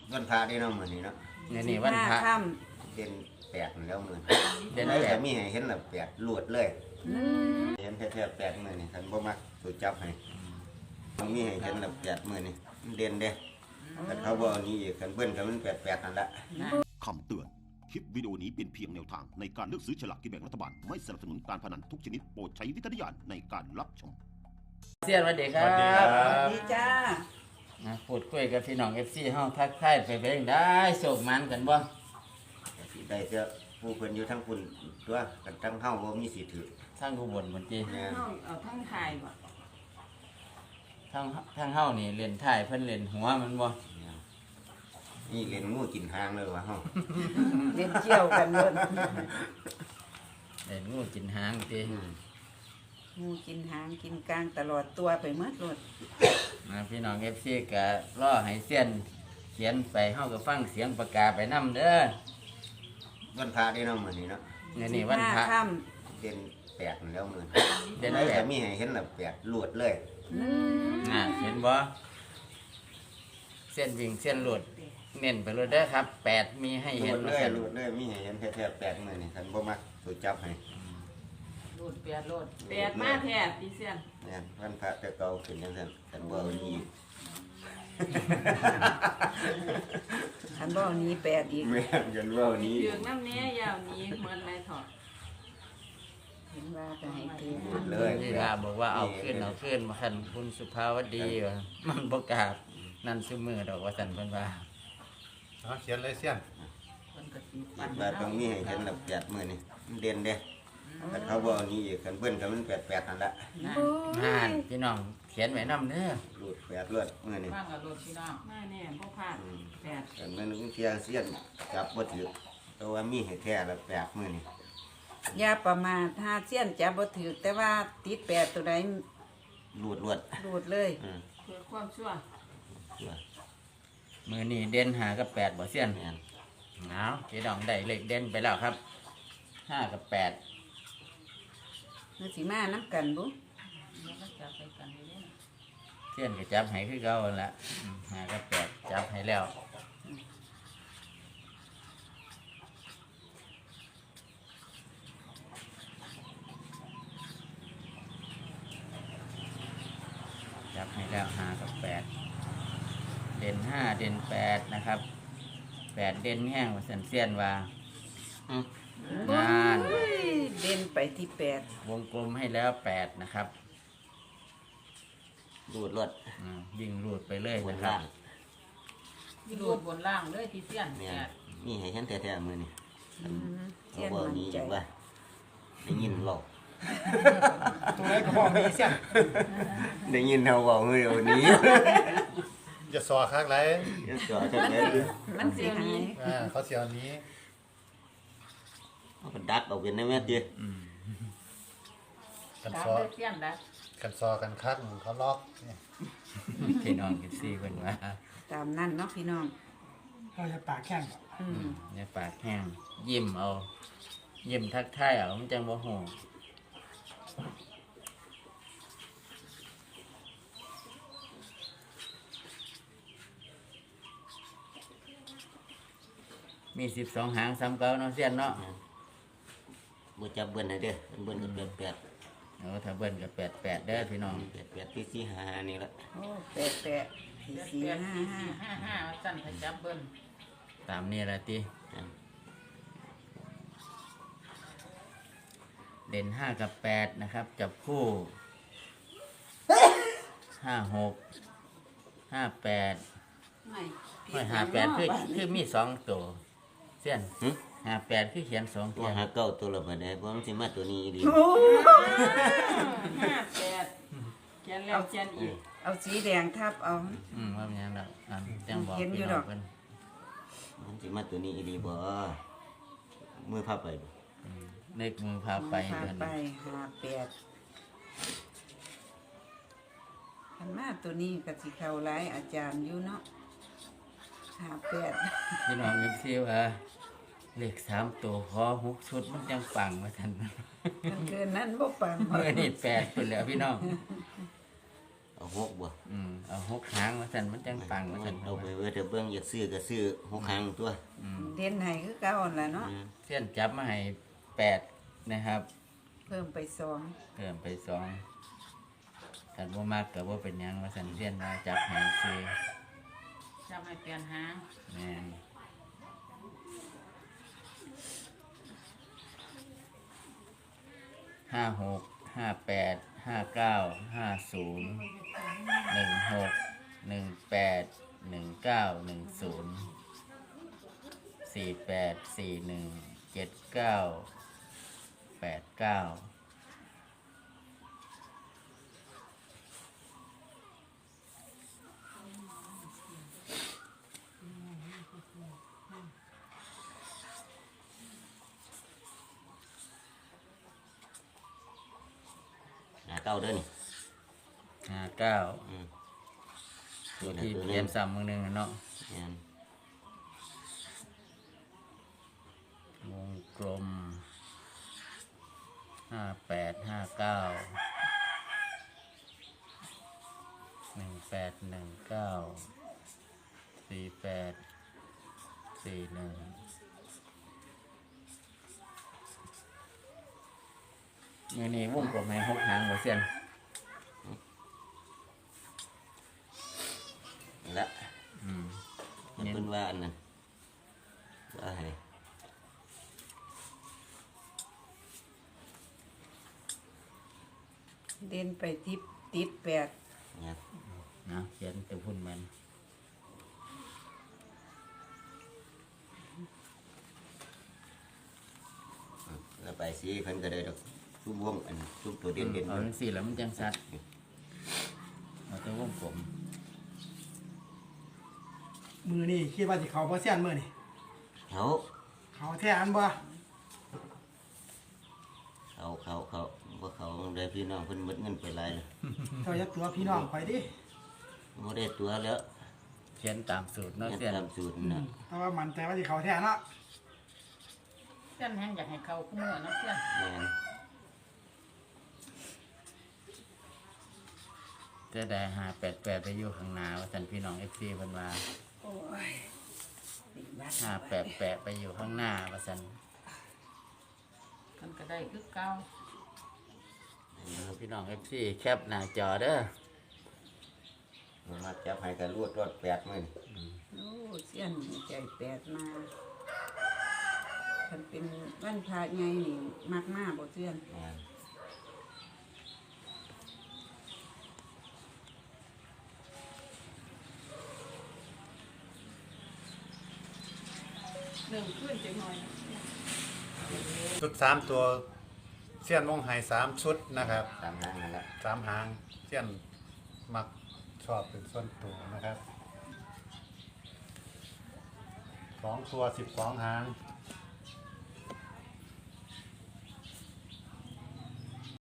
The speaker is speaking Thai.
วันพระได้เนาะมื้อนี้เนาะนี่วันพระค่เด่นแปดแล้วมื้อเด่นแล้วแปแต่ดมีให้เห็นแล้วแปดลวดเลยำเห็นแท้ๆแปดมื้อนี่คันบ่มักสูจับให้มันมีให้เห็นแล้วแปดมื้อนี่มันเด่นเด้คันเขาบ่เอานี้อีกคันเบิ้นก็มันแปดนั่นละคำเตือน คลิปวิดีโอนี้เป็นเพียงแนวทางในการเลือกซื้อฉลากกินแบ่งรัฐบาล ไม่สนับสนุนการพนันทุกชนิดโปรดใช้วิจารณญาณในการรับชมเสียนวันเด็กครัสวัสดีครับ บสวัสดีจ้าพูดคุยกับพี่น้อง FC เฮาทักทายไปเองได้โศกมันกันบ่ก็สิได้เจ้าผู้เพิ่นอยู่ทั้งคุณตัวกันทั้งเฮาบ่มีสิทธิ์ถือทางอุบลบนจีแม่นเอาทั้งไทยบ่ทางเฮานี่เล่นท้ายเพิ่นเล่นหัวมันบ่นี่เล่นงูกินหางเลยว่าเฮาเล่นเกี่ยวกันเลยเล่นงูกินหางติงูกินหางกินกลางตลอดตัวไปหมดเลยพี่น้อง FC ก็รอให้เสียนเขียนไปเฮาก็ฟังเสียงประกาศไปนํเด้อวันพระได้เนาะมื้อนี้เนาะนี่วันพระค่เด่นแปดแล้วมื้อเด่นแล้วแปแต่ดมีให้เห็นแล้วแปดลวดเลยเห็นบ่เส้นวิ่งเส้นหลุดเน้นไปเลยเด้อครับ8มีให้ลเห็วน ดว่าเลยซั่นลวดเลยมีให้เห็นแท้ๆแปดมื้อนี่คันบ่มักสูจับให้โลดแปดมาแท้ปีเสียนแม่นวันพระแต่เก่าขึ้นจังซั่นคันบ่เอานี้ำขันบ่อนี้แปดอีกแม่นกันบ่เอานี้เดืองน้ำเนี้ยยาวนี้เหมือนไรถอดเห็นว่าจะให้ถือเลยนี่ล่ะบอกว่าเอาขึ้นมาคันคุณสุภาวดีว่ามันบ่กล้านั่นซุมือดอกว่าซั่นเพิ่นว่าเอาเขียนเลยเสี้ยนคนกระติบคิดว่าต้องมีให้เห็นแล้วแปดมื้อนี่มันเด่นเด้คันเขาบ่เอานี้อีกคันเบิ้นก็มันแปดนั่นละห่านพี่น้องเขียนไว้นำเด้อลวดแปดลวดมื้อนี่ว่างกับโลดพี่น้องมาแน่พ่อพลาดแปดแต่มันเที่ยเสียนจับบ่ถือแต่ว่ามีให้แท้แล้วแปดมื้อนี่อย่าประมาทถ้าเสี้ยนจับบ่ถือแต่ว่าติดแปดตัวใดลวดรูดเลยเพื่อความชั่วมื้อนี้เด่น5กับ8บ่เซียนแม่นเอาพี่น้องได้เลขเด่นไปแล้วครับ5กับ8 มันสิมาน้ำกันบุแล้วก็จับไปกันอยู่เนี่ยเซียนก็จับให้คือเก่าหั่นละ5กับ8จับให้แล้วจับให้แล้ว5กับ8เด่น5เด่น8นะครับ8เด่นแห้งว่าซั่นเซียนว่างานโอ้ยเด่นไปที่แปดวงกลมให้แล้ว8นะครับลวดวิ่งรูดไปเลยบนนะครับล่างมีโลดบนล่างเลยพี่เสียนแม่แปนดมีให้เห็นแท้ๆมื้อนี่เสี้เขายนบ่เอามั่นนี้ใจอีกว่าได้ยินเว้าตัวไหนก็พอมีเสี้ยนได้ยินเฮาเว้าเฮ้ยเอานี้อย่าสอคักไรเดี๋ยวจอจังได๋มันสิหายเขาเสียวนี้เอาก็ดักเอาเป็นได้แม่ติกันตามซอเลยเสียนแล้วกันซอกันคักเขาล็อกเนี่ยพี่น้องกินซี่เพิ่นว่าตามนั่นเนาะพี่น้องเราจะปากแข้งเนี่ยปากแห้งยิ้มเอายิ้มทักทายเอามันจังบ่ฮู้มี12หางซ้ำเก่าเนาะเซียนเนาะบ่จับเบิ้นให้เด้อเบิ้นก็แปดถ้าเบิ่นก็88เด้อพี่น้องแปดที่สี่ห้านี่ละโอ้แปดแปดสี่แปดสี่แปดห้าสี่ห้าห้าสั้นถ้าจับเบิ้ลตามนี้ละติเด่น5กับ8นะครับจับคู่56 58 ไม่ 58คือมี2ตัวเสียน58คือเขียน2 ตัตัว วหาเก้าตัวละบัดนี้บ่มันสิมาตัวนี้อีหลีโอ้ห้าแปดเขียนแล้วเขียนอีกเอาสีแดงทับเอาว่ามันยังดอกจังบอกเห็นอยู่พี่ดน้ออก งเพิ่นมันสิมาตัวนี้อีหลีบ่มือพับไปบ่เลขมือพาไปพาเพิ่นไปห้าแปดขันมาตัวนี้ก็สิเข้าหลายอาจารย์อยู่เนาะห้าแปดพี่น้องเอฟซีว่าเลข3ตัวขอ6ชุดมันจังปังว่าซั่นมันเกินนั้นบ่ปังเมื่อนี่8พุ่นแล้วพี่น้องเอาหกบ่เอา6หางว่าซั่นมันจังปังว่าซั่นเอาไปไว้แต่เบิ่งอยากซื้อก็ซื้อ6หางตัวเด่นให้คือเก่าหั่นล่ะเนาะเสี้ยนจับมาให้8นะครับเพิ่มไปสองเพิ่มไป2กันบ่มากก็บ่เป็นหยังว่าซั่นเสี้ยนว่าจับให้ซื้อจะไม่เปลี่ยนหางแม่น56 58 59 50 18 41 79 89 เก้าเด้อนี่ 59 อืมตัวที่เปลี่ยนซ้ำมือหนึงอะเนาะแม่นวงกลมมือนี้วงกลมให้6หางบ่เสียนนี่ละเพิ่นว่าอันนั้นว่าให้เด่นไปติด8 เนี่ยนะเขียนตัวพุ่นมันแล้วไปสิเพิ่นก็ได้ดอกซุ่มวงอันซุ่มตัวเด่นเอาจังซี่แล้วมันจังสัดเอาตัววงกลมมือนี่คิดว่าสิเขาบ่เสี้ยนมือนี่เขาเขาแท้อันบ่เขาบ่เขาได้พี่น้องเพิ่นหมดเงินไปหลายแล้วเจ้าอย่าตัวพี่น้องข่อยดิบ่ได้ตัวแล้วเขียนตามสูตรเนาะเนี่ยเสียนตามสูตรน่ะแต่ว่ามันใจว่าสิเขาแท้เนาะเส้นแห้งอยากให้เขาคู่มือเนาะเส้นแม่นจะได้588ไปอยู่ข้างหน้าว่าซั่นพี่น้อง FC เพิ่นว่าโอ้ยติดบัตร 588ไปอยู่ข้างหน้าว่าซั่นมันก็ได้คือเก่าพี่น้อง FC แคปหน้าจอเด้อมาจับให้ก็รวด8มื้อนี่โอ้เสี้ยนใจ8มาคันเป็นวันพระใหญ่นี่มักมาบ่เสี้ยนแม่นเริ่มขึ้นจังหน่อยชุด3ตัวเสี้ยนวงให้3ชุดนะครับตามหางนั่นละ 3หางเสี้ยนมักชอบเป็นส่วนตัวนะครับ2ตัว12หาง